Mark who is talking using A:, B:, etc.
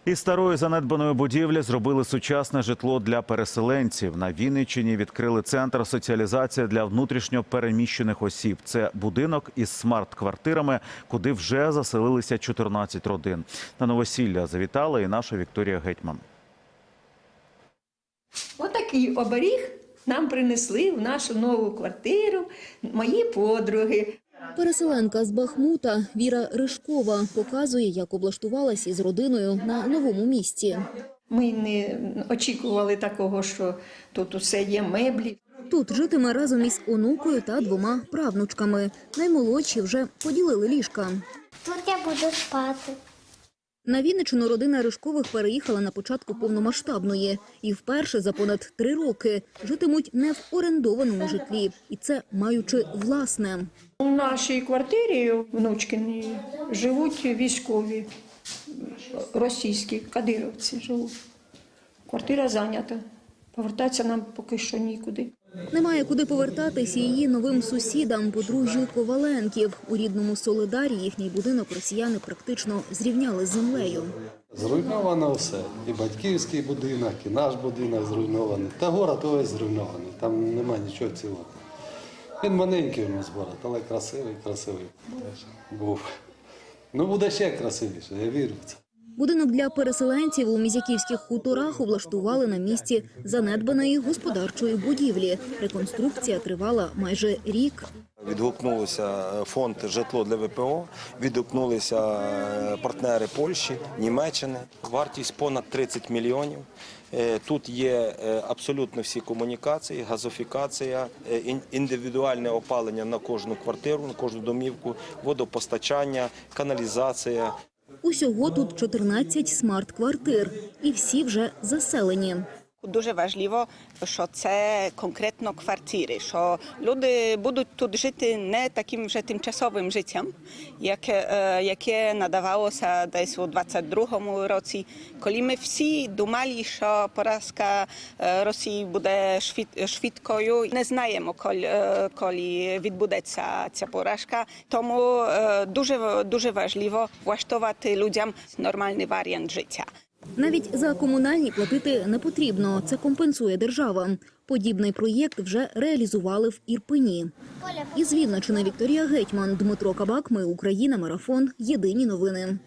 A: Із старої занедбаної будівлі зробили сучасне житло для переселенців. На Вінниччині відкрили центр соціалізації для внутрішньо переміщених осіб. Це будинок із смарт-квартирами, куди вже заселилися 14 родин. На новосілля завітала і наша Вікторія Гетьман.
B: Отакий оберіг нам принесли в нашу нову квартиру мої подруги.
C: Переселенка з Бахмута Віра Ришкова показує, як облаштувалась із родиною на новому місці.
B: Ми не очікували такого, що тут усе є, меблі.
C: Тут житиме разом із онукою та 2 правнучками. Наймолодші вже поділили ліжка.
D: Тут я буду спати.
C: На Вінниччину родина Ришкових переїхала на початку повномасштабної. І вперше за понад 3 роки житимуть не в орендованому житлі. І це маючи власне.
B: У нашій квартирі внучкині живуть військові, російські, кадировці живуть. Квартира зайнята. Повертатися нам поки що нікуди.
C: Немає куди повертатись і її новим сусідам, подружжю Коваленків. У рідному Солидарі їхній будинок росіяни практично зрівняли з землею.
E: Зруйновано все. І батьківський будинок, і наш будинок зруйнований. Та город увесь зруйнований. Там немає нічого цілого. Він маленький у нас город, але красивий був. Ну, буде ще красивіше, я вірю в це.
C: Будинок для переселенців у Мізяківських хуторах облаштували на місці занедбаної господарчої будівлі. Реконструкція тривала майже рік.
F: Відгукнулося фонд «Житло для ВПО», відгукнулися партнери Польщі, Німеччини. Вартість понад 30 мільйонів. Тут є абсолютно всі комунікації, газифікація, індивідуальне опалення на кожну квартиру, на кожну домівку, водопостачання, каналізація.
C: Усього тут 14 смарт-квартир. І всі вже заселені.
G: Дуже важливо, що це конкретно квартири, що люди будуть тут жити не таким вже тимчасовим життям, яке надавалося десь у 22-му році, коли ми всі думали, що поразка Росії буде швидкою. Не знаємо, коли відбудеться ця поразка, тому дуже важливо влаштувати людям нормальний варіант життя.
C: Навіть за комунальні платити не потрібно. Це компенсує держава. Подібний проєкт вже реалізували в Ірпені. Із Вінниччини Вікторія Гетьман, Дмитро Кабак. Ми Україна. Марафон. Єдині новини.